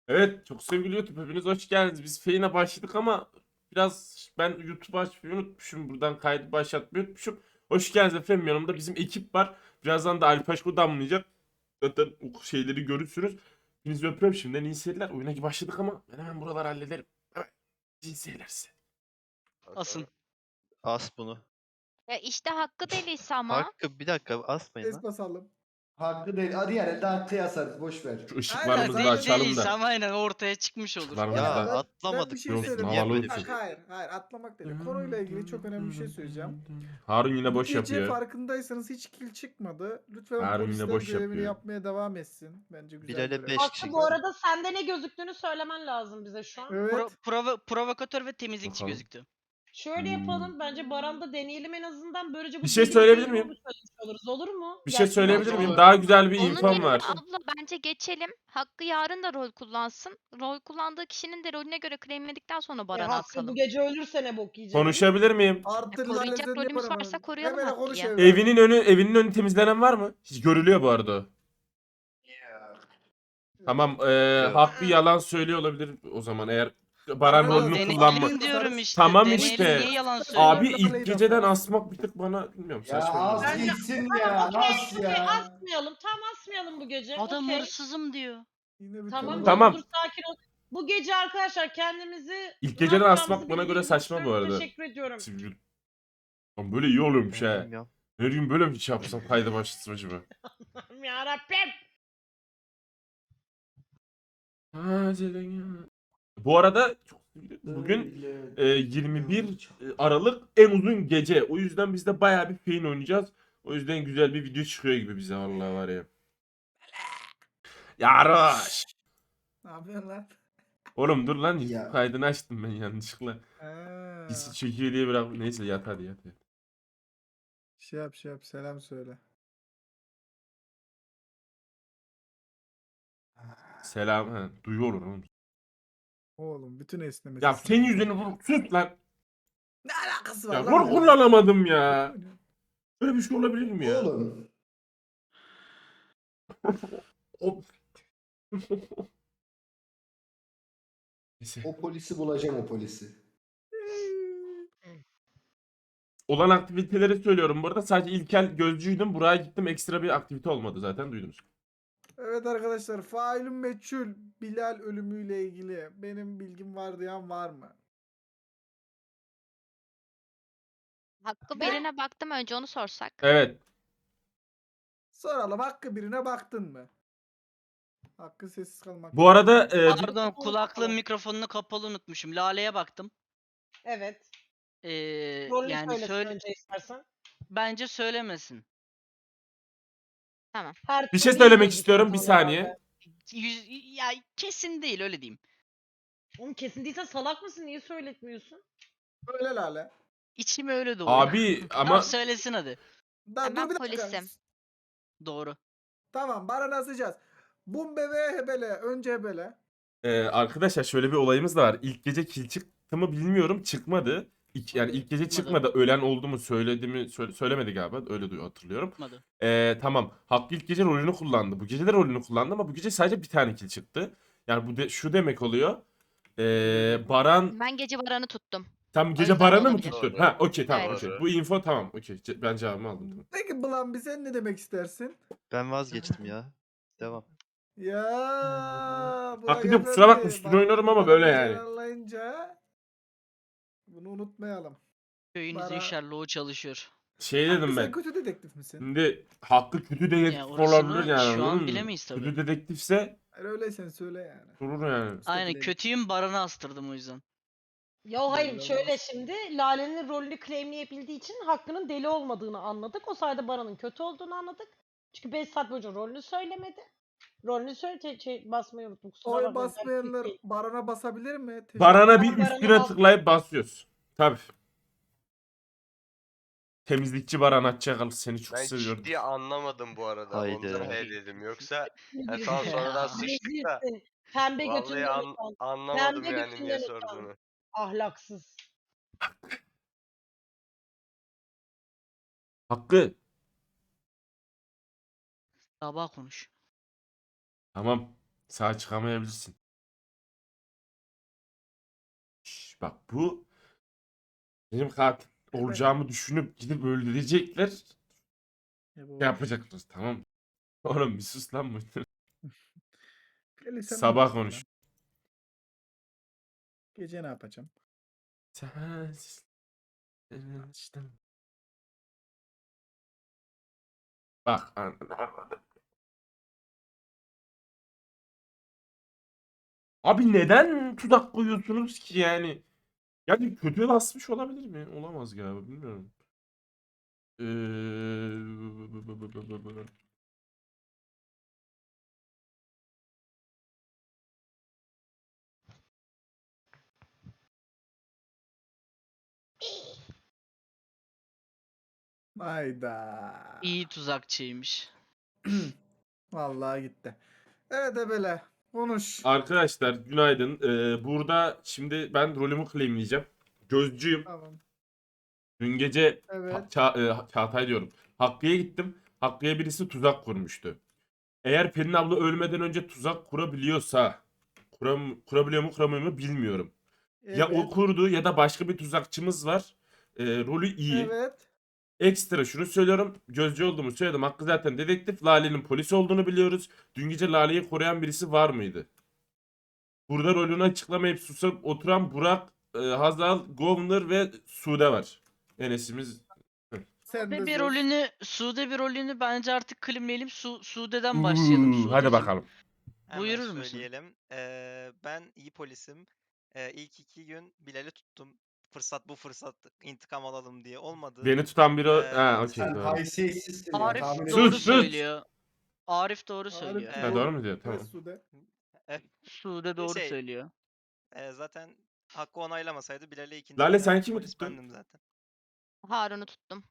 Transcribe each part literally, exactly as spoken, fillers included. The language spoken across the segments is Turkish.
Evet, çok sevgili YouTube, hepiniz hoş geldiniz. Biz Feyin'e başladık ama biraz ben YouTube'u açmayı unutmuşum. Buradan kaydı başlatmayı unutmuşum. Hoş geldiniz efendim, yanımda bizim ekip var. Birazdan da Ali Paşko damlayacak. Zaten o şeyleri görürsünüz. Hepinizi öpüyorum şimdiden, iyi seyirler. Oyuna başladık ama ben hemen buraları hallederim. Evet, iyi seyirler size. Asın. As bunu. Ya işte hakkı delisi ama. Hakkı bir dakika asmayın Es lan. basalım. Hakkı değil. Hadi yani daha hakkı yazarız. Boş ver. Şu Aynen, ışıklarımızı da zaten açalım Deliyse da. ama aynen ortaya çıkmış olur. Işıklarımızı Ya da. ben, ben atlamadık bir şey Yok, söyleyeyim. havalı Bak, uçuyor. hayır, hayır atlamak değil. Konuyla ilgili çok önemli bir şey söyleyeceğim. Harun yine Bu boş gece yapıyor. farkındaysanız hiç kill çıkmadı. Lütfen Harun yine polisler boş görevini yapıyor. yapmaya devam etsin. Bence güzel Bilal'e görev. beş Aslı kişi. bu arada sende ne gözüktüğünü söylemen lazım bize şu an. Evet. Pro, provo- provokatör ve temizlikçi Bakalım. gözüktü. Şöyle Hmm. yapalım. Bence Baran'da deneyelim en azından. Böylece bu Bir şey deli söyleyebilir deli miyim? olduğunu söylemiş oluruz. Olur mu? Bir şey Gerçi söyleyebilir bence miyim? olur. Daha güzel bir Onun infom yerine var. abla bence geçelim. Hakkı yarın da rol kullansın. Rol kullandığı kişinin de rolüne göre claimledikten sonra E, Baran'a Hakkı bu asalım. gece ölürse ne bok yiyecek? Konuşabilir miyim? Artı E, koruyacak Lale Zenni rolümüz para varsa bana. koruyalım Hemen Hakkı'yı. konuş evladım. Evinin önü evinin önü temizlenen var mı? Hiç görülüyor bu arada. Tamam, eee Yok. Hakkı yalan söylüyor olabilir o zaman eğer Baran Baran rolünü Dene- kullanma. Deneyelim diyorum işte. Tamam Deneyelim, işte. niye yalan söylüyor? Abi Lale'yi ilk de geceden falan. asmak bir tık bana bilmiyorum Ya saçma. az geldi. Bence- gitsin Tamam ya. okey Nasıl okey ya? asmayalım. Tam asmayalım bu gece. Adam okey. hırsızım diyor. Yine bir Tamam konu- Tamam. dur sakin ol. Bu gece arkadaşlar kendimizi İlk ne geceden yapacağımızı asmak bana göre bildiğimiz saçma için bu arada. Teşekkür ediyorum. Lan böyle iyi oluyormuş Ben he. bilmiyorum. Her gün böyle mi hiç yapsam kayda başlasın acaba? Yarabbim. Bu arada çok bugün e, yirmi bir Aralık en uzun gece. O yüzden biz de bayağı bir Fein oynayacağız. O yüzden güzel bir video çıkıyor gibi bize vallahi var ya. Yaroş. Ne yapıyorsun lan? Oğlum dur lan, YouTube Ya. kaydını açtım ben yanlışlıkla. Ha. Pisi çekiyor diye bırak. Neyse yat hadi yat. yat. Şey yap şey yap selam söyle. Selam. Ha, duyuyor oğlum. Oğlum bütün esnemesi. Ya senin yüzünü vur. Sus lan. Ne alakası var Ya lan? rol böyle? kullanamadım ya. Böyle bir şey olabilir mi ya? Oğlum. Of. Neyse. O polisi bulacağım o polisi. Olan aktiviteleri söylüyorum. Bu arada sadece İlkel gözcüydüm. Buraya gittim. Ekstra bir aktivite olmadı zaten, duydunuz. Evet arkadaşlar, failün meçhul Bilal ölümüyle ilgili benim bilgim var diyen var mı? Hakkı birine baktım, önce onu sorsak. Evet. Soralım, Hakkı birine baktın mı? Hakkı sessiz kalmak. Bu arada e, bir- Pardon, kulaklığın mikrofonunu kapalı unutmuşum. Lale'ye baktım. Evet. Ee, Rolünü yani söylesin söyle, önce istersen. bence söylemesin. Her bir türlü şey söylemek izledik istiyorum bir zaten saniye. herhalde. Yüz, ya kesin değil, öyle diyeyim. Oğlum kesin değilsen salak mısın? Niye söyletmiyorsun? Öyle Lale. İçim öyle doğru. Abi Tamam, ama söylesin hadi. Da, Ben dur bir dakika. polisim. Doğru. Tamam, Baran'ı asacağız. Bumbe ve Hebele. Önce Hebele. e, arkadaşlar şöyle bir olayımız da var. İlk gece kill çıktı mı bilmiyorum. Çıkmadı. İlk, yani ilk gece Çıkmadı. çıkmadı. Ölen oldu mu söyledi mi söyle, söylemedi galiba. Öyle duyu hatırlıyorum. Tutmadı. E, tamam. Hakkı ilk gece rolünü kullandı. Bu gece de rolünü kullandı ama bu gece sadece bir tane kill çıktı. Yani bu de, şu demek oluyor. E, Baran Ben gece Baran'ı tuttum. tam O gece yüzden Baran'ı mı olabilir. tuttun? Doğru. Ha okey tamam Evet. okey. Bu info tamam okey. Ce- Ben cevabımı aldım. Tamam. Peki Blan, bir sen ne demek istersin? Ben vazgeçtim ya. Devam. Ya Burak Hakkı'cım kusura bakma, Efendi, üstüne bak, oynarım ama Baran'ı böyle yani. celallayınca bunu unutmayalım. Köyünüzün Bara- Sherlock'u çalışıyor. Şey Hakkı, dedim sen ben. kötü dedektif misin? Şimdi Hakkı kötü dedektif Ya orasını olabilir yani. şu an anladın mı? bilemeyiz tabii. Kötü dedektifse Hayır, öyleysen söyle yani. durur yani. Aynen, Bileyim. kötüyüm, Baran'ı astırdım o yüzden. Ya hayır Belli şöyle olmaz. şimdi Lale'nin rolünü claimleyebildiği için Hakkı'nın deli olmadığını anladık. O sayede Baran'ın kötü olduğunu anladık. Çünkü beş saat boyunca rolünü söylemedi. Rolünü söyle şey, şey, basmayı unuttum. Kusura Oy bakmayın. basmayanlar Değil. Baran'a basabilir mi? Teşekkür Baran'a bir Ben Baran'a üstüne bas- tıklayıp basıyoruz. Tabii. Temizlikçi Baran Atçakal seni çok Ben seviyorum. ciddi anlamadım bu arada. Haydi. Ondan he dedim. Yoksa Ne yani tamam diyorsun ya? sonradan sıçtık da Rezilsin. Pembe vallahi götünden an- utan. anlamadım Pembe yani niye götünden utan. sorduğunu. Ahlaksız. Hakkı. Sabah konuş. Tamam. Sağ çıkamayabilirsin. Bak bu benim katil olacağımı düşünüp gidip öldürecekler. Ya bu- Ne yapacaklar tamam. Oğlum bir sus lan bu. Eli sen Sabah olursun konuş. lan. Gece ne yapacağım? Sensiz. Bak anladım. Abi neden tuzak koyuyorsunuz ki yani? Yani kötüye basmış olabilir mi? Olamaz galiba bilmiyorum. Ee... Hayda. İyi tuzakçıymış. Vallahi gitti. Evet Ebele. Konuş. Arkadaşlar günaydın. Ee, burada şimdi ben rolümü claimleyeceğim. Gözcüyüm. Tamam. Dün gece Evet. Ha- Ça- e, Çağatay diyorum. Hakkı'ya gittim. Hakkı'ya birisi tuzak kurmuştu. Eğer Pelin abla ölmeden önce tuzak kurabiliyorsa kuram, kurabiliyor mu kuramıyor mu bilmiyorum. Ya o Evet. kurdu ya da başka bir tuzakçımız var. Ee, rolü iyi. Evet. Ekstra şunu söylüyorum. Gözcü olduğumu söyledim. Hakkı zaten dedektif. Lale'nin polis olduğunu biliyoruz. Dün gece Lale'yi koruyan birisi var mıydı? Burada rolünü açıklamayıp susup oturan Burak, e, Hazal, Govner ve Sude var. Enes'imiz. Sen de Sude bir söz. rolünü, Sude bir rolünü bence artık claimleyelim. Su, Sude'den başlayalım. Uuu, hadi Sudeciğim. bakalım. Hemen Buyurur musun? söyleyelim. Ee, ben iyi polisim. Ee, ilk iki gün Bilal'i tuttum. Fırsat bu fırsat intikam alalım diye olmadı. Beni tutan biri... Ee, ha okey Sen doğru. haysiyetsizsin ya. Arif Tahmin doğru Sus, sus. söylüyor. Arif doğru Arif söylüyor. Ha, doğru mu diyor? Tamam. Evet Sude. Sude doğru Şey, söylüyor. Ee, zaten Hakkı onaylamasaydı Bilal'e ikinci Lale, tutan sen kimi polis tuttun? bendim zaten. Harun'u tuttum.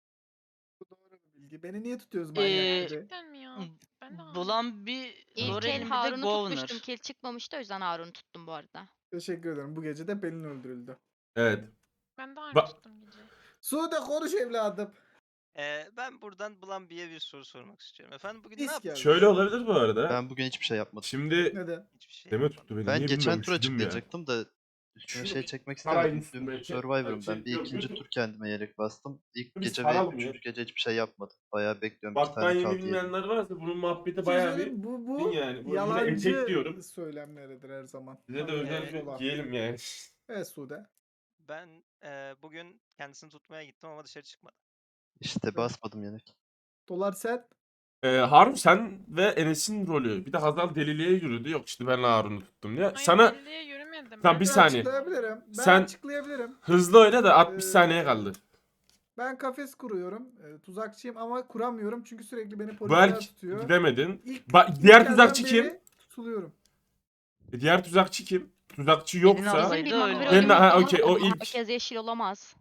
Bu doğru bir bilgi. Beni niye tutuyoruz Ee, manyak gibi? Gerçekten mi ya? Ben de Bulan bir İlk el Loren'in bir de Harun'u Govner. tutmuştum. Kill çıkmamıştı o yüzden Harun'u tuttum bu arada. Teşekkür ederim. Bu gece de Pelin öldürüldü. Evet. Ben de Ba- aynı tuttum gece. Sude konuş evladım. Ee, ben buradan Bulambi'ye bir soru sormak istiyorum. Efendim bugün ne İsk yaptınız? geldi. Şöyle olabilir bu arada. Ben bugün hiçbir şey yapmadım. Şimdi Neden? Hiçbir şey deme yapmadım. tuttu beni. Ben Niye geçen bilmiyorum, tur üşüdüm ya. açıklayacaktım da üstüne Şunu şey bir çekmek sarayın istemedim. Dün üstüne, Survivor'ım şey- ben. Bir yok, ikinci YouTube- tur kendime yelek bastım. İlk Biz gece ve saralım ya. üçüncü gece hiçbir şey yapmadım. Bayağı bekliyorum. iki Bak ben tane yeni kaldı yedim. bilmeyenler varsa bunun muhabbeti Bir şey bayağı bir... söyleyeyim, bu bu Din yani. Bu yine yalancı etek diyorum. söylemleridir her zaman. Size de Haberiniz özel ola. bir giyelim yani. Evet Sude. Ben e, bugün kendisini tutmaya gittim ama dışarı çıkmadı. İşte basmadım yelek. Dolar sen. Ee, Harun sen ve Enes'in rolü. Bir de Hazal deliliğe yürüdü. Yok işte ben Harun'u tuttum diye. Hayır, Sana belliye yürümedim. Tamam, bir Ben saniye. açıklayabilirim. Ben Sen- açıklayabilirim. hızlı oyna da altmış Ee, saniye kaldı. Ben kafes kuruyorum. Ee, tuzakçıyım ama kuramıyorum çünkü sürekli beni Bu polisler el tutuyor. gidemedin. İlk, Bak ilk diğer elden tuzakçı kim? beri Tutuluyorum. E, Diğer tuzakçı kim? Tuzakçı Pelin yoksa... ablaydı, Bizim bir öyle. mavi Ben- rolümüz ha, var okey, o ama ilk. herkes yeşil olamaz.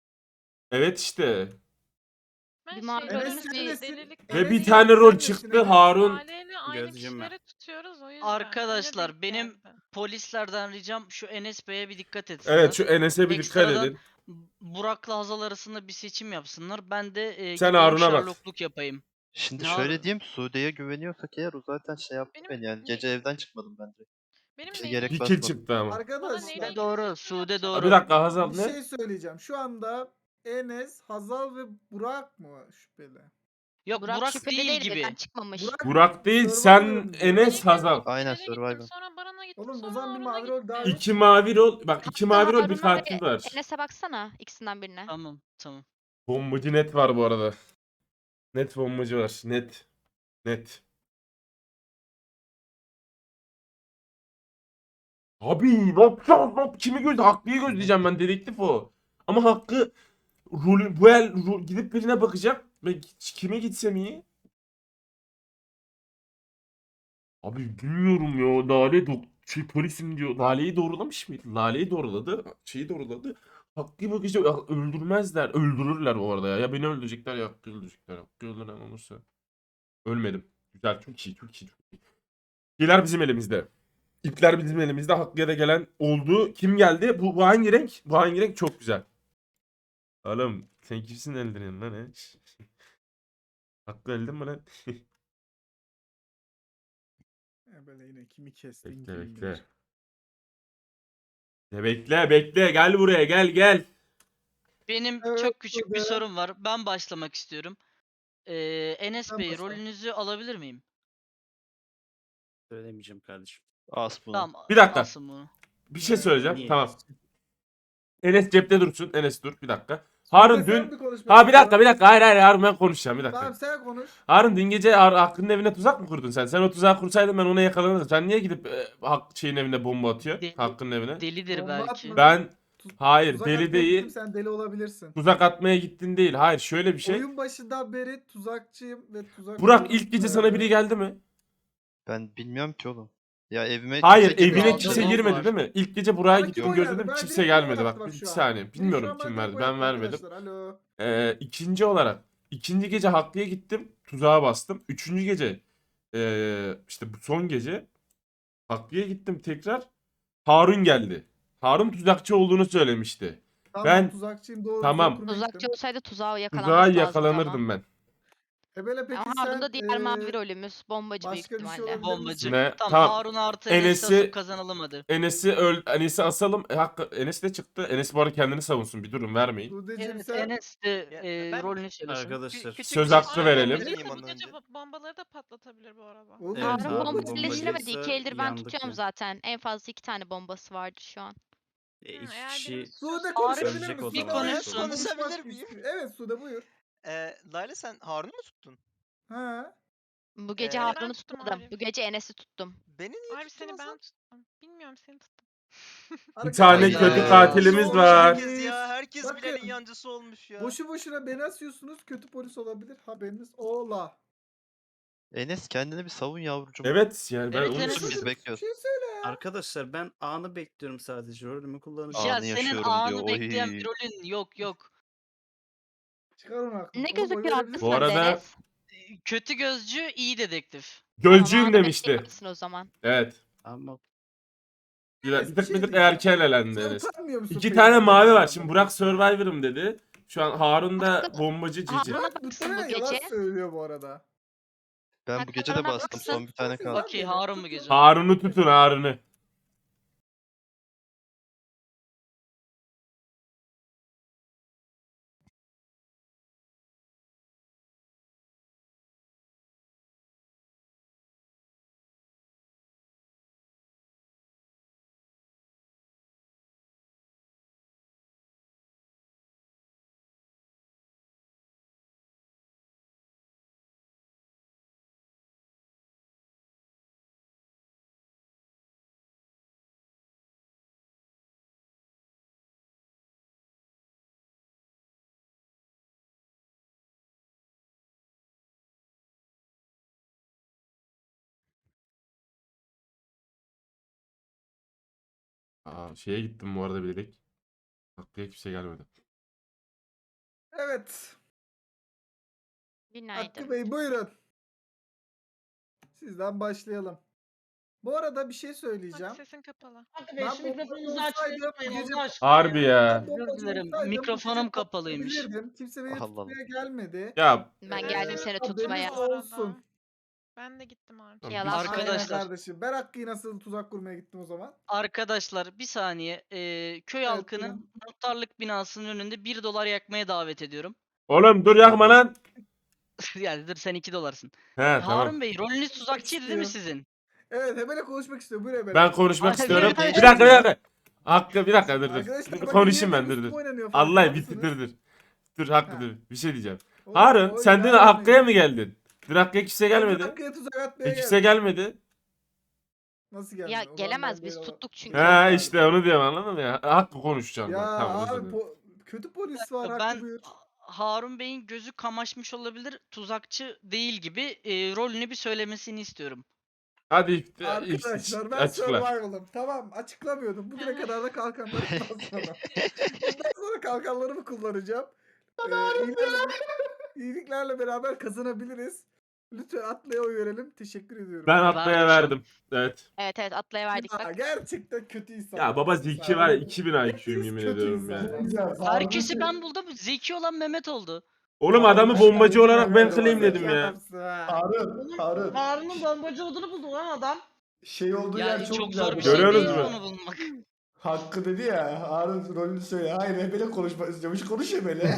Evet işte. Ben Bir mavi şey, rolümüz dedim, bir- delilik- Ve bir Enes- tane sen rol nesin çıktı Enes? Harun. Lale'yle aynı Gözcüm ben. kişileri tutuyoruz o yüzden. Arkadaşlar, Öyle denk benim- geldi. Polislerden ricam şu Enes Bey'e bir dikkat etsinler. Evet şu Enes'e bir dikkat Ekstradan edin. Burak'la Hazal arasında bir seçim yapsınlar. Ben de e, Sen gideyim Harun'a bak. Sherlockluk yapayım. Şimdi Ne şöyle abi? diyeyim. Sude'ye güveniyorsak eğer o zaten şey yaptı Benim beni yani. ne- Gece evden çıkmadım ben direkt. Benim İşte neyle gerek Bir ilgili- kill basmadım. çıktı ama. Bana Arkadaşlar neyle Sude ilgili doğru, seçim Sude yapacağım? doğru. Bir dakika Hazal Bir ne? şey söyleyeceğim. Şu anda Enes, Hazal ve Burak mı şüpheli? Yok Burak, Burak, şüpheli değil değil, gibi. evden çıkmamış. Burak, Burak değil sen Survivor'ım diyor. Enes Survivor'ım. Hazal. Aynen, Bilal'e gittim, Survivor. Sonra Baran'a gittim. Oğlum o sonra zaman bir Harun'a mavi rol gittim. daha yok. İki mavi rol. Bak iki mavi rol bir Harun'a katil ve var. Enes'e baksana ikisinden birine. Tamam tamam. Bombacı net var bu arada. Net bombacı var. Net. Net. Abi ne yapacağız lan? Kimi göz? Hakkı'yı gözleyeceğim ben. Dedektif o. Ama Hakkı rolü, bu el ro- gidip birine bakacak. Ve kime gitsem iyi? Abi bilmiyorum ya. Lale dok şey, polisim diyor. Lale'yi doğrulamış mıydı? Lale'yi doğruladı. Şeyi doğruladı. Hakkı'yı bakacak. Ya, öldürmezler. Öldürürler bu arada ya. Ya beni öldürecekler ya Hakkı'yı öldürecekler. Hakkı öldüren olursa. Ölmedim. Güzel. Çok iyi. Çok iyi. Çok iyi. İpler bizim elimizde. İpler bizim elimizde. Hakkı'ya da gelen oldu. Kim geldi? Bu, bu hangi renk? Bu hangi renk? Çok güzel. Oğlum sen kimsin öldüren lan he? Hakkı öldün mü lan? E böyle yine kimi kestin Bekle kim bekle. bilir. Ya bekle bekle gel buraya gel gel. Benim Evet, çok küçük bir Sude. sorum var. Ben başlamak istiyorum. Ee, Enes Sen Bey başla. rolünüzü alabilir miyim? Söylemeyeceğim kardeşim. As bunu. Tamam. Bir dakika. Alsın bunu. Bir şey söyleyeceğim. Niye? Tamam. Enes cepte dursun. Enes dur bir dakika. Harun Sude, sen dün... bir konuş Ha bir bakalım. dakika bir dakika hayır hayır Harun ben konuşacağım bir dakika. Tamam sen konuş. Harun dün gece Har- Hakkı'nın evine tuzak mı kurdun sen? Sen o tuzağı kursaydın ben ona yakalanırdım. Sen niye gidip e, Hak şeyin evine bomba atıyor? Deli- Hakkı'nın evine. Delidir Bomba belki. atma. Ben Tuz- hayır Tuzak deli atmaya değil. gittim, sen deli olabilirsin. Tuzak atmaya gittin değil. Hayır şöyle bir şey. Oyun başından beri tuzakçıyım ve tuzak... Burak ilk gece sana biri geldi mi? Ben bilmiyorum ki oğlum. Ya evime Hayır kimse girmedi. evine Aldı kimse bomba girmedi var. değil mi? İlk gece Burak'a Bana kim gittim oy gözledim verdi? Ben kimse direkt oy gelmedi attı bak. Bir şu an. saniye Biri bilmiyorum şu an kim bana verdi oy ben attı vermedim. arkadaşlar, Alo. Ee, ikinci olarak ikinci gece Hakkı'ya gittim tuzağa bastım. Üçüncü gece ee, işte bu son gece Hakkı'ya gittim tekrar Harun geldi. Harun tuzakçı olduğunu söylemişti. Tamam, Ben- tuzakçıyım doğru. Tamam. tuzak kurmaya Tuzakçı gittim. olsaydı tuzağa yakalanması Tuzağa lazımdı yakalanırdım ama. ben. Ebele peki Ama sen... Harun da diğer mavi eee, rolümüz. Bombacı büyük başka bir şey ihtimalle. olabilir Bombacı. Ne? Tamam, Tamam. Harun artı Enes'i Enes'i- asıp kazanalım hadi. Enes'i öl Enes'i asalım. E, Hakkı Enes de çıktı. Enes bu arada kendini savunsun. Bir durun vermeyin. Sude'cim Evet, sen... Enes de Ya, e, ben- rolünü söylesin. Arkadaşlar. Küçük Söz bir şey hakkı verelim. söyleyebilir miyim Bu ondan gece önce? bo- bombaları da patlatabilir bu arada. Oğlum, Evet, Harun Harun bomba bombacıysa birleştiremedi. İki eldir ben yandık tutuyorum ya. zaten. En fazla iki tane bombası vardı şu an. E, Hı, iki eğer kişi benim- Sude Harun konuşabilir söyleyecek misin? o Bir Sude zaman. konuşsun. konuşmak Konuşabilir miyim? istiyor. Evet Sude buyur. Ee, Layla sen Harun'u mu tuttun? Ha. Bu gece Ee, Ben Harun'u tuttum tutmadım. Arif. Bu gece Enes'i tuttum. Beni niye Abi tuttun seni o ben zaman? tuttum. Bilmiyorum seni tuttum. Bir tane Arkadaşlar, kötü Hayda. katilimiz Olmuş var. Herkes ya. Herkes Bakın. Bilal'in yancısı olmuş ya. Boşu boşuna beni asıyorsunuz. Kötü polis olabilir. Haberiniz ola. Enes kendini bir savun yavrucuğum. Evet yani ben Evet, onu Enes- Biz söylüyorum. Bir bekliyoruz. şey söyle ya. Arkadaşlar ben anı bekliyorum sadece. Rolümü kullanacağım. Ya Anı senin yaşıyorum anı diyor, bekleyen oy. bir rolün yok yok. Çıkar onu aklına. Ne Oğlum, oy gözüküyor verebilir hakkı Bu miyim? arada- sende Enes? E, Kötü gözcü, iyi dedektif. Gözcüyüm Tamam, demişti. bekleyebilirsin o zaman. Evet. Ama Bir, Evet, bir bir tık şey bir tık diyeceğim. erken elendi Sen Enes. utanmıyor musun İki peki? tane mavi var. Şimdi Burak Survivor'ım dedi. Şu an Harun da Hakkı- bombacı Cici. Harun'a Burak baksın bu muhtemelen yalan gece. söylüyor bu arada. Ben bu gece de Hakkı'na bastım. baksın. Son bir tane kaldı. Okey, Harun bu gece. Harun'u tutun Harun'u. Aa, şeye gittim bu arada bilerek. Aklıya kimse gelmedi. Evet. Günaydın. Hakkı Bey buyurun. Sizden başlayalım. Bu arada bir şey Bak söyleyeceğim. sesin kapalı. Hadi be Ben şu bombacı mikrofonunuzu olsaydım açmayı bu unutmayın gece- Allah aşkına Harbi ya. ya. Ben bombacı Özür dilerim, olsaydım bu mikrofonum gece kapalıymış. patlatabilirdim. Kimse beni Allah Allah. tutmaya gelmedi. Ya Ben Ee, geldim seni haberiniz tutmaya. Bu arada. olsun. Ben de gittim abi. Tamam, Yalan biz- Aynen Arkadaşlar. kardeşim. Ben Hakkı'yı nasıl tuzak kurmaya gittim o zaman? Arkadaşlar bir saniye. e, köy Evet, halkını buyurun. muhtarlık binasının önünde bir dolar yakmaya davet ediyorum. oğlum dur yakma lan. Yani dur sen iki dolarsın. He Harun tamam. Bey rolünüz tuzakçıydı değil mi istiyor. sizin? Evet Hebele konuşmak istiyor. Buyur Hebele. Ben konuşmak Hadi istiyorum. bir- Bir dakika bir dakika. Hakkı bir dakika dur dur. Arkadaşlar Dur, bakın konuşayım niye ben dur benim dur. üstüme oynanıyor farkında Allah bitti mısınız? dur dur. Dur Hakkı Ha. dur. Bir şey diyeceğim. Oğlum, Harun o sen dün ilan Hakkı'ya mı etmeyin. geldin? Dün Hakkı'ya kimse Ben gelmedi. Hakkı'ya tuzak atmaya E kimse geldim. gelmedi. Nasıl geldi? Ya O zaman gelemez ben biz böyle- tuttuk çünkü. He işte onu diyorum anladın mı ya? Hakkı konuşacağım Ya ben. Tamam özür abi dilerim. po- kötü polis var Hakkı Ben buyur. Harun Bey'in gözü kamaşmış olabilir. Tuzakçı değil gibi e, rolünü bir söylemesini istiyorum. Hadi ift- ift- Arkadaşlar ben açıkla. survival'ım. Tamam açıklamıyordum. Bugüne kadar da kalkanları basmadım. Bundan sonra kalkanlarımı kullanacağım. Ee, iyiliklerle, iyiliklerle beraber kazanabiliriz. Lütfen Atlay'a oy verelim. Teşekkür ediyorum. Ben Atlay'a Verdim. verdim. Evet. Evet evet Atlay'a verdik Ya, bak. gerçekten kötü insan. Ya baba Zeki var ya iki bin I Q'yum yemin Kötü ediyorum insan. ya. Herkesi ben buldum. Zeki olan Mehmet oldu. Oğlum adamı bombacı olarak ben claimledim ya. Harun, Harun. Harun'un bombacı olduğunu buldu lan adam. Şey olduğu Ya yer çok çok güzel. zor bir Görüyorsunuz şey değil mu? onu bulmak. Hakkı dedi ya. Harun rolünü söyle. Hayır Ebele konuşmak istiyormuş. Konuş Ebele.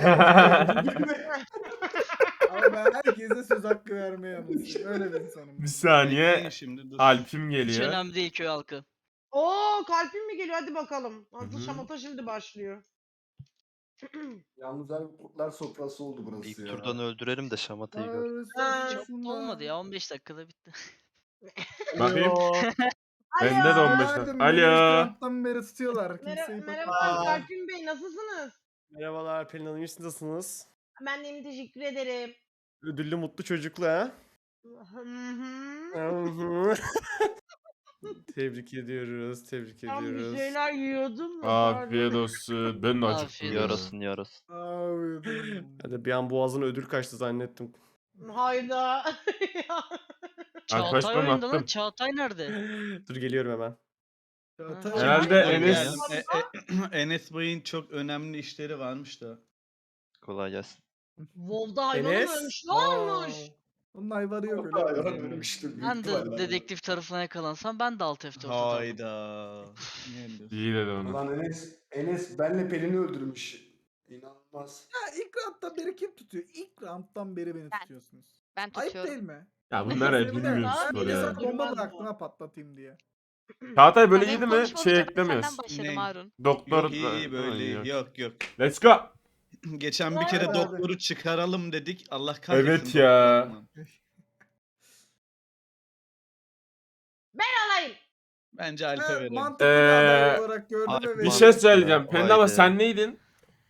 Ama ben herkese söz hakkı vermeye alışıyorum. Öyle bir insanım. Bir saniye. Şimdi dur. Alp'im Hiç geliyor. önemli değil köy halkı. Oo kalbim mi geliyor? Hadi bakalım. Asıl Hı hı. şamata şimdi başlıyor. Yalnız abi kurtlar sofrası oldu burası İlk ya. turdan öldürelim de şamatayı gör. Ha, Çok da olmadı ya on beş dakikada bitti. Bakayım. Alo. Bende de on beş Günaydın, dakika. beni Alo. Trump'tan beri tutuyorlar. Mer- Kimseyi merhabalar Kalbim Bey nasılsınız? Merhabalar Pelin Hanım, siz nasılsınız? Ben de iyiyim, teşekkür ederim. Ödüllü mutlu çocuklu ha? Hı hı. Hı hı. Tebrik ediyoruz, tebrik Tam bir ediyoruz. şeyler yiyordum da. Afiyet olsun. Ben de acıktım. Afiyet ya. Yarasın yarasın. Abi. Hadi bir an boğazına ödül kaçtı zannettim. Hayda. Çağatay Arkadaşlarım oyunda lan. attım. Çağatay nerede? Dur geliyorum hemen. Çağatay- Herhalde Çağatay Enes- nerede? E, Enes Bey'in çok önemli işleri varmış da. Kolay gelsin. WoW'da hayvan Enes? ölmüş. Ne olmuş? Onun ayvarı yok öyle. Hayvan ölmüştür. büyük Ben ihtimalle. de dedektif tarafına yakalansam ben de alt F dört atardım. Hayda. Ne diyorsun? İyi dedi onu. Ulan Enes, Enes benle Pelin'i öldürmüş. İnanılmaz. Ya ilk round'dan beri kim tutuyor? İlk round'dan beri beni Ben. tutuyorsunuz. Ben Ayıp tutuyorum. değil mi? Ya bunlar hep Bir de- bilmiyor Abi, spor bir de ya. sana bomba Bilmez bıraktım bu. ha patlatayım diye. Çağatay böyle Ben yedi benim mi? konuşma Şey olacaktı, eklemiyoruz. Senden başladım Ne? Harun. Doktor. Yok iyi böyle Yok. yok yok. Let's go. Geçen bir kere Abi. doktoru çıkaralım dedik. Allah kahretsin. Evet ya. doktorunu. Ben alayım. Bence Alp'e Ben verelim. mantıklı bir aday Ee, olarak gördüm abi, ve Bir verdim. şey söyleyeceğim. Ya, Penda ama haydi. sen neydin?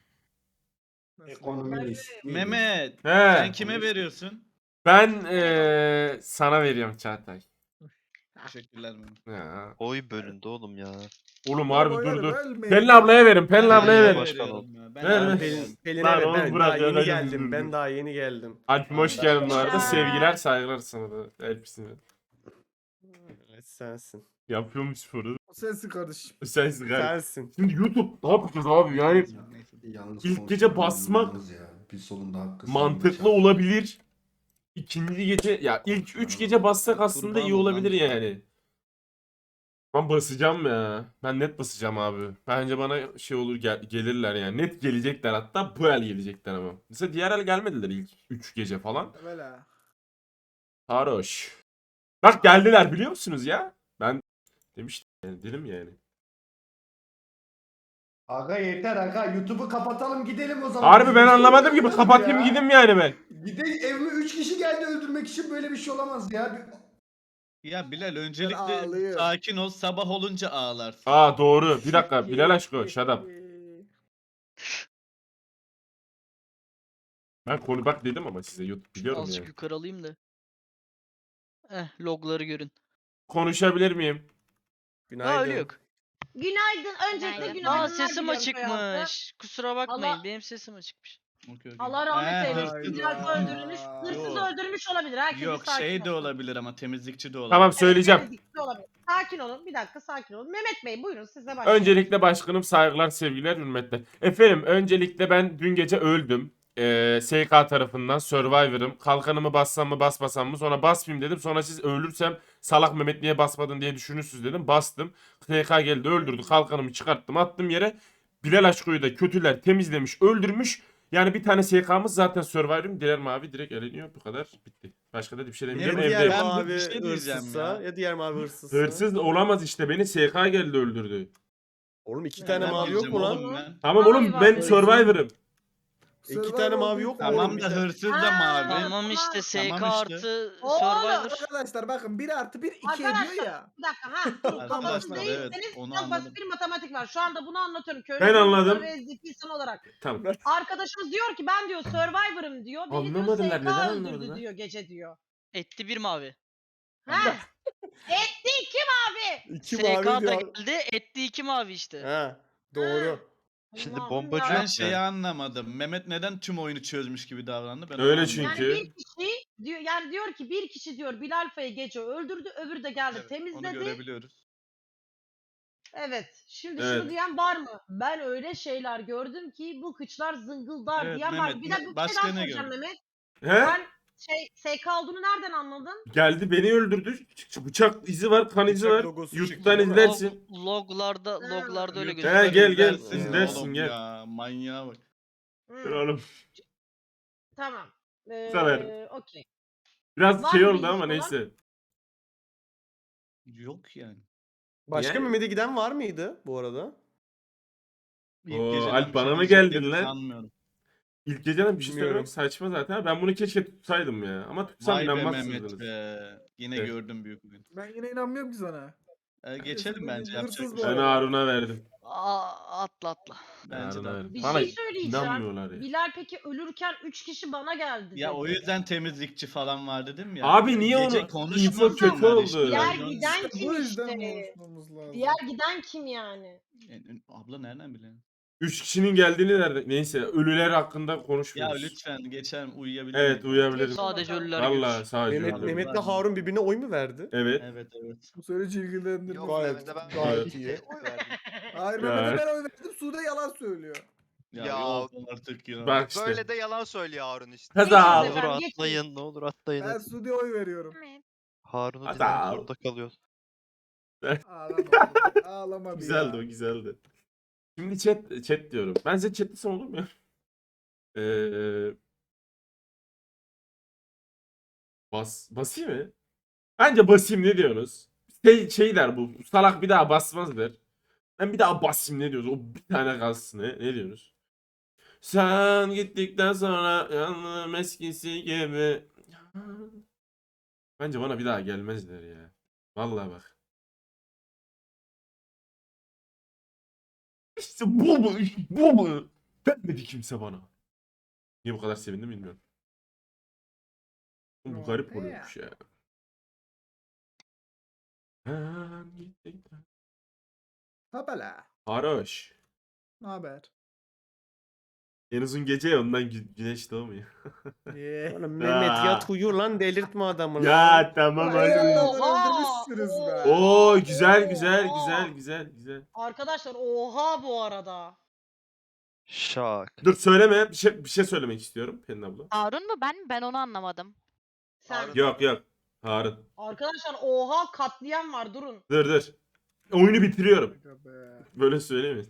Ekonomist. Mehmet. He. Sen kime veriyorsun? Ben eee sana veriyorum Çağatay. Teşekkürler Mehmet. Ya. Oy bölündü oğlum ya. Oğlum harbi dur Oyları dur. bölmeyin. Pelin ablaya verin. Pelin Ben ablaya de verin. başkan veriyorum ya. Ben Ver, de ver. Pelin, Pelin'e Lan ver. oğlum Ben bırak daha ya, yeni hadi geldim. dur, Ben dur. daha yeni geldim. Alp'im hoş geldin bu arada. Ya. Sevgiler saygılar sana da. Hepsine. Evet sensin. Yapıyormuş sporu. O sensin kardeşim. Sensin galiba. Sensin. Şimdi YouTube ne yapacağız abi yani Neyse. Yalnız İlk konuşmak gece basmak zorundayız ya. Bir solunda hakkı mantıklı savunacak. olabilir. İkinci gece ya ilk üç gece bassak aslında Kurban iyi olabilir olan. yani. Ben basacağım ya. Ben net basacağım abi. Bence bana şey olur gel- gelirler yani. Net gelecekler hatta bu el gelecekler ama. Mesela diğer el gelmediler ilk üç gece falan. Böyle. Haroş. Bak geldiler biliyor musunuz ya? Ben demiştim yani dedim yani. Aga yeter aga. YouTube'u kapatalım gidelim o zaman. Harbi ben Biz anlamadım gibi öldürmeyelim kapatayım ya. gideyim yani ben. Bir de evime üç kişi geldi öldürmek için böyle bir şey olamaz ya. Bir- Ya Bilal öncelikle ağlıyorum. sakin ol. Sabah olunca ağlarsın. Aa doğru. Bir dakika Bilal aşkı shut up. Ben konu bak dedim ama size YouTube biliyorum Azıcık yani. yukarı alayım da. Eh logları görün. Konuşabilir miyim? Günaydın. Aa öyle yok. Günaydın. Öncelikle Günaydın. günaydınlar Aa sesim diliyorum soy halkı. açıkmış. Kusura bakmayın Allah- benim sesim açıkmış. Okey, okey. Allah rahmet He, eylesin. hırsız- Bilal öldürülmüş. Hırsız Yok. öldürmüş olabilir. Herkes Yok sakin şey de olsun. olabilir ama temizlikçi de olabilir. Tamam Evet, söyleyeceğim. temizlikçi olabilir. Sakin olun. Bir dakika sakin olun. Mehmet Bey buyurun size başlayalım. Öncelikle başkanım saygılar, sevgiler, hürmetler. Efendim öncelikle ben dün gece öldüm. Ee, S K tarafından Survivor'ım. Kalkanımı bassam mı basmasam mı? Sonra basmayayım dedim. Sonra siz ölürsem salak Mehmet niye basmadın diye düşünürsünüz dedim. Bastım. S K geldi öldürdü. Kalkanımı çıkarttım attım yere. Bilal Aşko'yu da kötüler temizlemiş öldürmüş. Yani bir tane S K'mız zaten Survivor'ım. Diğer mavi direkt eleniyor. Bu kadar bitti. Başka da bir şey Ya demeyeceğim. Evet, diğer Evde ben bir mavi şey diyeceğim hırsızsa ya. ya. diğer mavi hırsızsa. hırsız olamaz işte. Beni S K geldi öldürdü. Oğlum iki Ya tane ben mavi yok diyeceğim mu lan? oğlum ben. Tamam Mavi oğlum var. ben Hırsız. Survivor'ım. İki tane mavi yok mu? Tamam oğlum? da Bir tane- hırsız da Ha, mavi. Tamam Tamam, işte S K tamam işte. artı Oğlum, Survivor. Arkadaşlar bakın bir artı bir iki Arkadaşlar, ediyor ya. Bir dakika ha. Kafanız Arkadaşlar, evet, değilseniz onu çok anladım. basit bir matematik var. Şu anda bunu anlatıyorum. Köylü Ben anladım. ve zeki insan olarak. Tamam. Arkadaşımız diyor ki ben diyor Survivor'ım diyor. Beni diyor Anlamadılar, S K neden öldürdü anlamadılar? diyor gece diyor. Etti bir mavi. Ha? Etti iki mavi. İki S K mavi da diyor. geldi etti iki mavi işte. Ha, doğru. Şimdi Allah'ım bombacı ya. Ben yok şeyi ya. anlamadım. Mehmet neden tüm oyunu çözmüş gibi davrandı? Ben onu Öyle anlamadım. çünkü. Yani bir kişi diyor yani diyor ki bir kişi diyor Bilal Fay'ı gece öldürdü, öbürü de geldi Evet, onu temizledi. görebiliyoruz. Evet. Şimdi Evet. şunu diyen var mı? Ben öyle şeyler gördüm ki bu kıçlar zıngıldar Evet, diyen var. Mehmet, mı? Bir ne- de bir şey başka daha ne soracağım gördün? Mehmet. He? Ben şey S K olduğunu nereden anladın? Geldi beni öldürdü. Ç- Bıçak izi var, kan izi Bıçak var. logosu çıktı, YouTube'dan değil mi? izlersin. Log, loglarda Ha. loglarda öyle He, gözüküyor. gel gel izlersin izlersin oğlum gel. ya. Manyağa bak. Hmm, Dur oğlum. Tamam. severim. Ee, okey. Biraz Var şey mı oldu bilgisi ama olan? neyse. Yok yani. Başka Yani- Mehmet'e giden var mıydı bu arada? İlk Oo, geceden Alp bir bana şey mı diyeceklerini geldin lan? Sanmıyorum. İlk geceden bir şey Bilmiyorum. söylemek saçma zaten. Ben bunu keşke tutsaydım ya. Ama tutsam Vay be Mehmet inanmazsınız. be. Yine Evet. gördüm büyük bugün. Ben yine inanmıyorum ki sana. Ee, geçelim bu bence. hırsız Yapacak bu bir şey Ben yok. arada. Harun'a verdim. Aa, atla atla. Bence de. Harun'a verdim. Bir Bana şey söyleyeceğim. inanmıyorlar ya. Bilal peki ölürken üç kişi bana geldi Ya dedi. o yüzden temizlikçi falan var dedim ya. Abi niye Gece onu konuşmasın info kötü onlar oldu. işte. Diğer Yani- giden İşte kim bu yüzden işte? konuşmamız lazım. Diğer giden kim yani? Yani, abla nereden bilelim? Üç kişinin geldiğini nerede? Neyse ölüler hakkında Ya konuşmuyoruz. lütfen geçelim uyuyabilir Evet miyim? uyuyabilirim. Sadece ölüler Valla görür. sadece Mehmet, ölüler. Mehmet'le Harun birbirine oy mu verdi? Evet. Evet evet. Bu süreci ilgilendirmez. Yok Gayet- Mehmet'e ben gayet iyi. oy verdim. Hayır Ya. Mehmet'e ben oy verdim. Sude yalan söylüyor. Ya, Ya, yok artık ya. Bak işte. Böyle de yalan söylüyor Harun işte. Kaza. Ne Geçin olur efendim, geçin. atlayın, ne olur atlayın. Ben Sude'ye oy veriyorum. Evet. Harun'u Hadi dinlemek abi. zorunda kalıyor. Ağlama oğlum. Ağlama bir Güzeldi ya. o güzeldi. Şimdi chat chat diyorum. Ben size chat desem olur mu ya? Ee, bas basayım mı? Bence basayım ne diyorsunuz? Şey, şey der bu. Salak bir daha basmaz der. Ben bir daha basayım ne diyoruz? O bir tane kalsın ne? Ne diyorsunuz? Sen gittikten sonra yanım eskisi gibi. Bence bana bir daha gelmezler ya. Vallahi bak. İşte bu mu? Bu mu? Vermedi kimse bana. Niye bu kadar sevindim bilmiyorum. Bu garip oluyormuş ya. Sen gittikten- Habala. Haroş. Ne haber? En uzun gece ya ondan gü- güneş doğmuyor. Yeah. Oğlum Mehmet yat uyu lan delirtme adamı lan. Ya tamam Ay, hadi. Allah'ım. öldürmüşsünüz be. Oo güzel güzel Oha. güzel güzel güzel. Arkadaşlar oha bu arada. Şak. Dur söyleme bir şey bir şey söylemek istiyorum Pelin abla. Harun mu ben mi? Ben onu anlamadım. Sen. Harun. Yok yok. Harun. Arkadaşlar oha katliam var durun. Dur dur. Oyunu bitiriyorum. Aga be. Böyle söylemeyin.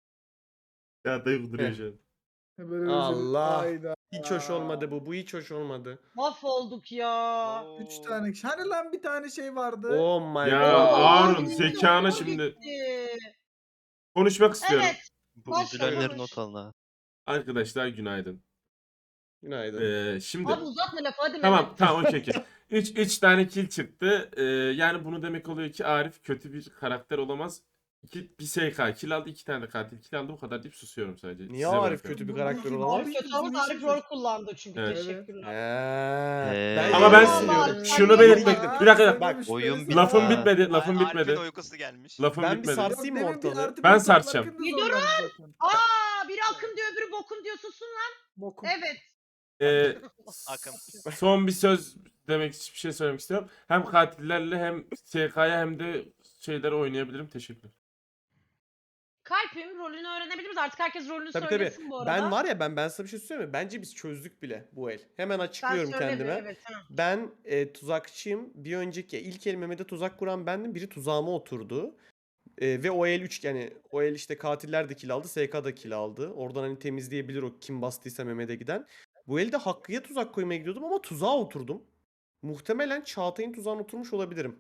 Ya dayı duruyor Heh. şu an. Böyle rezil- Allah. Hayda. Hiç hoş olmadı bu. Bu hiç hoş olmadı. Mahvolduk ya. Üç tane. Hani lan bir tane şey vardı. Oh my Ya god. Harun Oha, zekana o şimdi gitti. konuşmak istiyorum. Evet. Bu Başla üzülenleri konuş. not alın ha. Arkadaşlar günaydın. Günaydın. Ee, şimdi Abi uzatma lafı hadi tamam Mehmet. tamam okey okey. üç üç tane kill çıktı. Ee, yani bunu demek oluyor ki Arif kötü bir karakter olamaz. İki, bir S K kill aldı, iki tane de katil kill aldı. Bu kadar deyip susuyorum sadece. Niye Size Arif bırakıyorum. kötü bir Bu- karakter bu- olamaz? Abi- Arif kötü ama Arif rol kullandı çünkü. Evet. Teşekkürler. Eee, Ee, Ama ben Eyvallah. şunu Eyvallah. belirtmek Bir dakika. Bak, oyun bitti. Lafım Ha. bitmedi. Lafım Arif'in bitmedi. uykusu gelmiş. Lafım Ben bir bitmedi. sar- Sarsayım mı ortalığı? Ben sarsacağım. Bir durun. Aa biri akın diyor öbürü bokun diyor susun lan. Bokum. Evet. Ee, Akın. son bir söz demek bir şey söylemek istiyorum. Hem katillerle hem S K'ya hem de şeyleri oynayabilirim. Teşekkürler. Kalp'in rolünü öğrenebilir miyiz? Artık herkes rolünü Tabii tabii. söylesin bu arada. Ben var ya ben ben sana bir şey söyleyeyim mi? Bence biz çözdük bile bu el. Hemen Sen açıklıyorum söyle de, kendime. Evet, ha. Ben e, tuzakçıyım. Bir önceki ilk el Mehmet'e tuzak kuran bendim. Biri tuzağıma oturdu. E, ve o el üç yani o el işte katiller de kill aldı. S K da kill aldı. Oradan hani temizleyebilir o kim bastıysa Mehmet'e giden. Bu elde Hakkı'ya tuzak koymaya gidiyordum ama tuzağa oturdum. Muhtemelen Çağatay'ın tuzağına oturmuş olabilirim.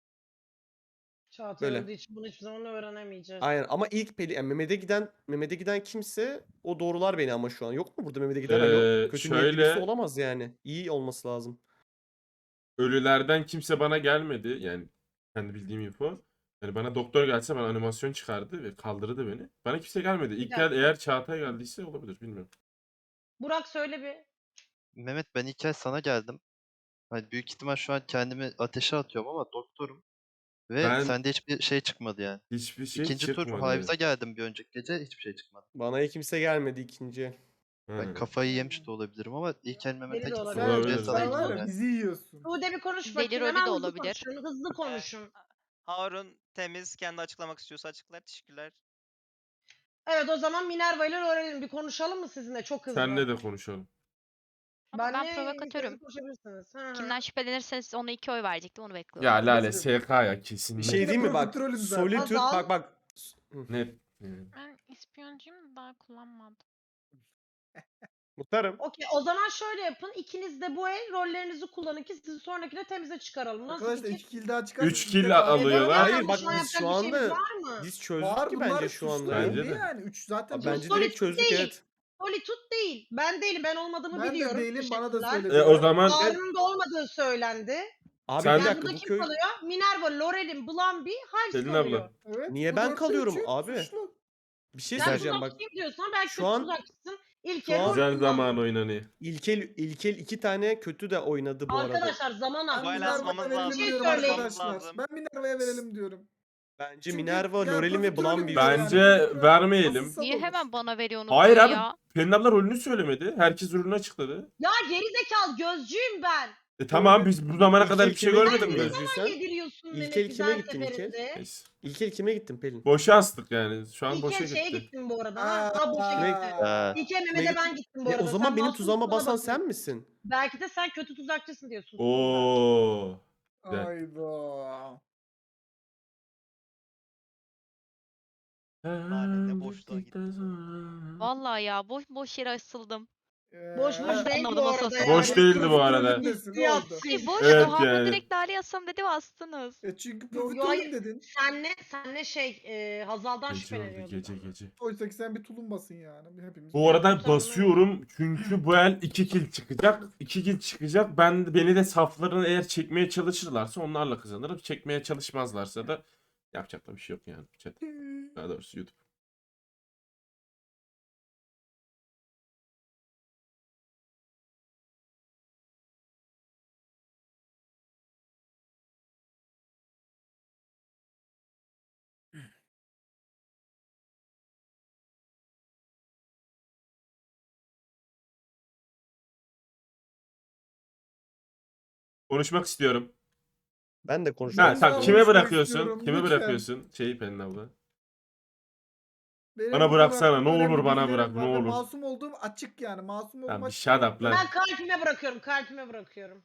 Çağatay Böyle. olduğu için bunu hiçbir zaman öğrenemeyeceğiz. Aynen ama ilk peli yani Mehmet'e giden Mehmet'e giden kimse o doğrular beni ama şu an yok mu burada Mehmet'e giden Ee, yok. Kötü niyetli birisi şöyle- olamaz yani. İyi olması lazım. Ölülerden kimse bana gelmedi. Yani kendi bildiğim info. Yani bana doktor gelse bana animasyon çıkardı ve kaldırdı beni. Bana kimse gelmedi. İlk dakika. gel eğer Çağatay geldiyse olabilir bilmiyorum. Burak söyle bir. Mehmet ben ilk kez sana geldim. Hani büyük ihtimal şu an kendimi ateşe atıyorum ama doktorum. Ve Ben- sende hiçbir şey çıkmadı yani. Hiçbir şey İkinci tur çıkmadı. Hives'a geldim bir önceki gece hiçbir şey çıkmadı. Bana kimse gelmedi ikinci. Ha. Ben kafayı yemiş de olabilirim ama ilk el Mehmet'e Beni de gittim. olabilir. Önce Olabilir. sana Sen var gittim ya yani. bizi yiyorsun. Sude bir konuş Deli bakayım. rolü Hemen de hızlı olabilir. konuşun. Hızlı konuşun. Harun temiz kendi açıklamak istiyorsa açıklar. Teşekkürler. Evet o zaman Minerva ile öğrenelim. Bir konuşalım mı sizinle? Çok hızlı. Senle de konuşalım. Ama ben Benle provokatörüm. ikiniz konuşabilirsiniz. Hı hı. Kimden şüphelenirseniz ona iki oy verecektim. Onu Ya bekliyorum. Lale S K ya kesin. Bir net. şey de değil mi bak? profiterolüm zaten. Solitude Hazal. bak bak. Hı. Net. Yani. Ben ispiyoncuyum da daha kullanmadım. Muhtarım. Okey, o zaman şöyle yapın. İkiniz de bu el rollerinizi kullanın ki sizi sonrakine temize çıkaralım. Nasıl Arkadaşlar fikir? iki kill daha çıkarsa Üç bir kill tek daha- alıyorlar. Hayır Hayır bak şu an biz şu yapacak bir şeyimiz anda var mı? biz çözdük Var, ki bunlar bence şu anda. suçlu ya. Bence değil de. yani. üç zaten Bence suçlu. direkt çözdük değil. evet. Solitude değil. Ben değilim. Ben olmadığımı Ben de biliyorum. değilim, bana da Teşekkürler. söylediler. E, o zaman Harun'un da olmadığı söylendi. Abi Sen- bir Yani dakika burada bu kim köy kalıyor? Minerva, Lorel'in, Blambi, Hives Selin kalıyor. abla. Evet, Niye bu ben dörtte kalıyorum üçü abi? suçlu. bir şey Ben söyleyeceğim bak. tuzakçıyım diyorsan belki şu de an- tuzakçısın. İlk şu el an- rol Güzel kullandın. zaman oynanıyor. İlkel İlkel iki tane kötü de oynadı bu arada. Arkadaşlar zaman Ben az. Fail Minerva'ya asmamız verelim lazım. Şey diyorum söyleyeyim. arkadaşlar. Lazım. Ben Minerva'ya verelim diyorum. Bence Çünkü Minerva, yani Lorel'in ve profiterolüm Blambi. diyor yani. Bence Profiterol vermeyelim. asılsa Niye olur. hemen bana veriyorsunuz Hayır oyu abi. ya? Pelin abla rolünü söylemedi. Herkes rolünü açıkladı. Ya geri zekalı gözcüyüm ben. E tamam Öyle. biz bu zamana İlk kadar el bir şey kime görmedik gittin mi? gözcüysen? Yediriyorsun İlk Mehmet el güzel kime gittin ilk el? seferinde. Neyse. İlkel kime gittin Pelin? Boşa astık yani. Şu an İlk boşa el şeye gitti. gittim bu arada. Ha, ha boşa Kime- gitti. Ha. İlk el Kime Mehmet'e ben gittin? gittim bu E, arada. o zaman Sen benim masumsun, tuzağıma bana basan bakıyorsun. sen misin? Belki de sen kötü tuzakçısın diyorsun. Oo. Güzel. Hayda. Lale ne boşluğa gitti. Vallahi ya boş boş yere asıldım. Boş boş Ee, değil bu Anladım, arada asıl- yani. Boş değildi bu arada. Profiterolündesin, ne oldu? Hissiyatsız. Boş Evet da Harun yani. direkt Lale yazsam dedi bastınız. E çünkü Yo, yo, profiterolüm hayır. dedin. Senle, senle şey e, Hazal'dan Gece oldu şüpheleniyordum. gece gece. Oysa ki sen bir tulumbasın yani. Hepimiz. Bu arada Sen- basıyorum çünkü bu el iki kill çıkacak. iki kill çıkacak. Ben beni de saflarını eğer çekmeye çalışırlarsa onlarla kazanırım. Çekmeye çalışmazlarsa da yapacak da bir şey yok yani. Chat. Daha doğrusu YouTube. Konuşmak istiyorum. Ben de Ha konuşmak tamam Ben kime konuşmak bırakıyorsun? istiyorum, Kime lütfen. bırakıyorsun? Şeyi Pelin abla. Benim Bana bu bıraksana, konu ne hakkında olur önemli bana bilgilerim bırak, ne var ve olur. Masum olduğum açık yani. Masum olduğum Tamam bir açık. shut up lan. Ben kalbime bırakıyorum, kalbime bırakıyorum.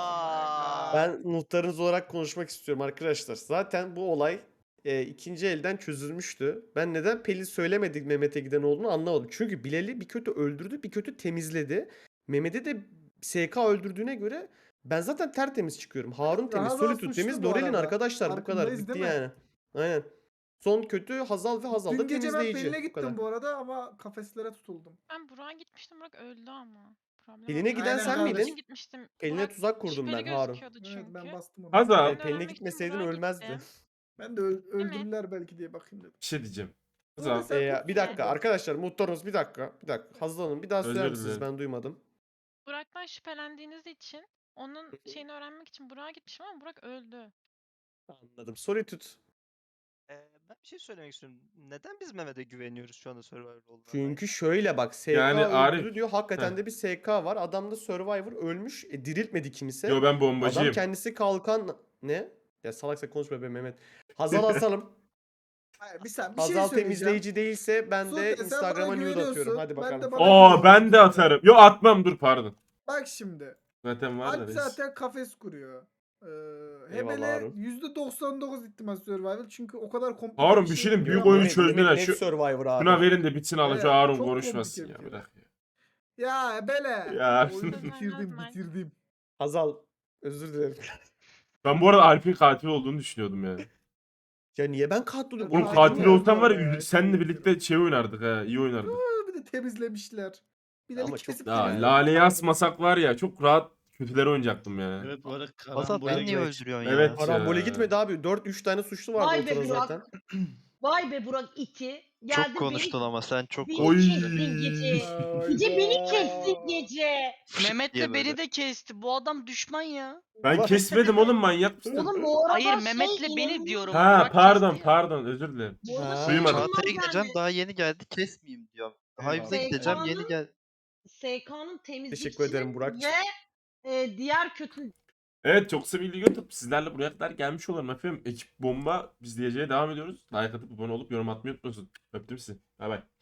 Aa. Ben muhtarınız olarak konuşmak istiyorum arkadaşlar. Zaten bu olay e, ikinci elden çözülmüştü. Ben neden Pelin söylemedik Mehmet'e giden olduğunu anlamadım. Çünkü Bilal'i bir kötü öldürdü, bir kötü temizledi. Mehmet'e de S K öldürdüğüne göre ben zaten tertemiz çıkıyorum. Harun temiz, Hazal Solitude suçlu temiz, bu Lorel'in arada. arkadaşlar bu kadar. Farkındayız Bitti değil mi? yani. Aynen. Son kötü Hazal ve Hazal da Dün gece ben temizleyici. Pelin'e Bu kadar. gittim bu arada ama kafeslere tutuldum. Ben Burak'a gitmiştim. Burak öldü ama. Problem Pelin'e oldu. giden Aynen sen kardeşim. miydin? için gitmiştim. Pelin'e Burak tuzak kurdum şüpheli ben Harun. gözüküyordu Evet çünkü. ben bastım onu. Hazal. Ben E, de Pelin'e öğrenmek için gitmeseydin Burak'a ölmezdi. gittim. Ben de öl- mi? öldürürler belki diye bakayım dedim. Bir şey diyeceğim. Öyle Hazal. sen Ee, tut- bir dakika arkadaşlar muhtarımız bir dakika. Bir dakika. Hazal Hanım bir daha Özür söyler misiniz? dilerim. Ben duymadım. Burak'tan şüphelendiğiniz için onun şeyini öğrenmek için Burak'a gitmişim ama Burak öldü. Anladım. Solitude. Ee, ben bir şey söylemek istiyorum. Neden biz Mehmet'e güveniyoruz şu anda Survivor olduğuna dair? Çünkü şöyle bak S K Yani öldürdü Arif- diyor. Hakikaten Heh. de bir S K var. Adamda Survivor ölmüş. E, diriltmedi kimse. Yo ben Adam bombacıyım. kendisi kalkan ne? Ya salaksa konuşma be Mehmet. Hazal asalım. Hayır, bir, sen, bir şey Hazal söyleyeceğim. temizleyici değilse ben Sultan, de sen Instagram'a bana nude atıyorum. güveniyorsun, Hadi ben de bakalım. bana- Oo ben de atarım. Yo atmam dur pardon. Bak şimdi. Zaten var da Alp reis. zaten kafes kuruyor. Ee, Eyvallah Hebele Harun. yüzde doksan dokuz ihtimal survival çünkü o kadar komplike Harun bir şey diyeyim, büyük yapıyor. oyunu Mehmet- çözdüler. Mehmet net Şu- Survivor abi. Şuna verin de bitsin alın. Şu Evet, Harun çok konuşmasın komplike ya. bir Bırak ya. Ya Hebele. Ya. Oyunu Sözler bitirdim yazmak. bitirdim. Hazal özür dilerim. Ben bu arada Alp'in katil olduğunu düşünüyordum yani. Ya niye ben katil Oğlum, Oğlum Katil katil oldu olsam var orada ya ya, seninle şey birlikte şey oynardık ha. İyi oynardık. Aa, bir de temizlemişler. Bir de Ama bir çok kesip Ya Yani- Lale'yi asmasak var ya çok rahat kötüleri oynayacaktım ya. Evet bu arada Hazal karambole beni niye geç. öldürüyorsun Evet. ya? Karambole Ya. gitmedi abi. dört üç tane suçlu vardı Vay be ortada Burak. zaten. Vay be Burak iti. Geldi Çok konuştun ama sen çok beni, Oy. beni konuştun. kestin gece. Hayda. Gece beni kestin gece. Mehmet diye de böyle. beni de kesti. Bu adam düşman ya. Ben kesmedim oğlum manyak mısın? Oğlum bu arada Hayır şey Mehmet'le beni inanılmaz- diyorum. Ha Burak pardon kesti ya. pardon özür dilerim. Bu arada Ha. şey Duymadım. inanılmaz Çağatay'a gideceğim yani. daha yeni geldi kesmeyeyim diyorum. Hayvıza Eyvallah. gideceğim yeni Seykan'ın- gel. S K'nın temizlikçisi Teşekkür ederim Burak'cığım. ve e, diğer kötü Evet çok sevgili YouTube sizlerle buraya kadar gelmiş olalım efendim. Ekip bomba biz diyeceğe devam ediyoruz. Like atıp abone olup yorum atmayı unutmayın. Öptüm sizi. Bay bay.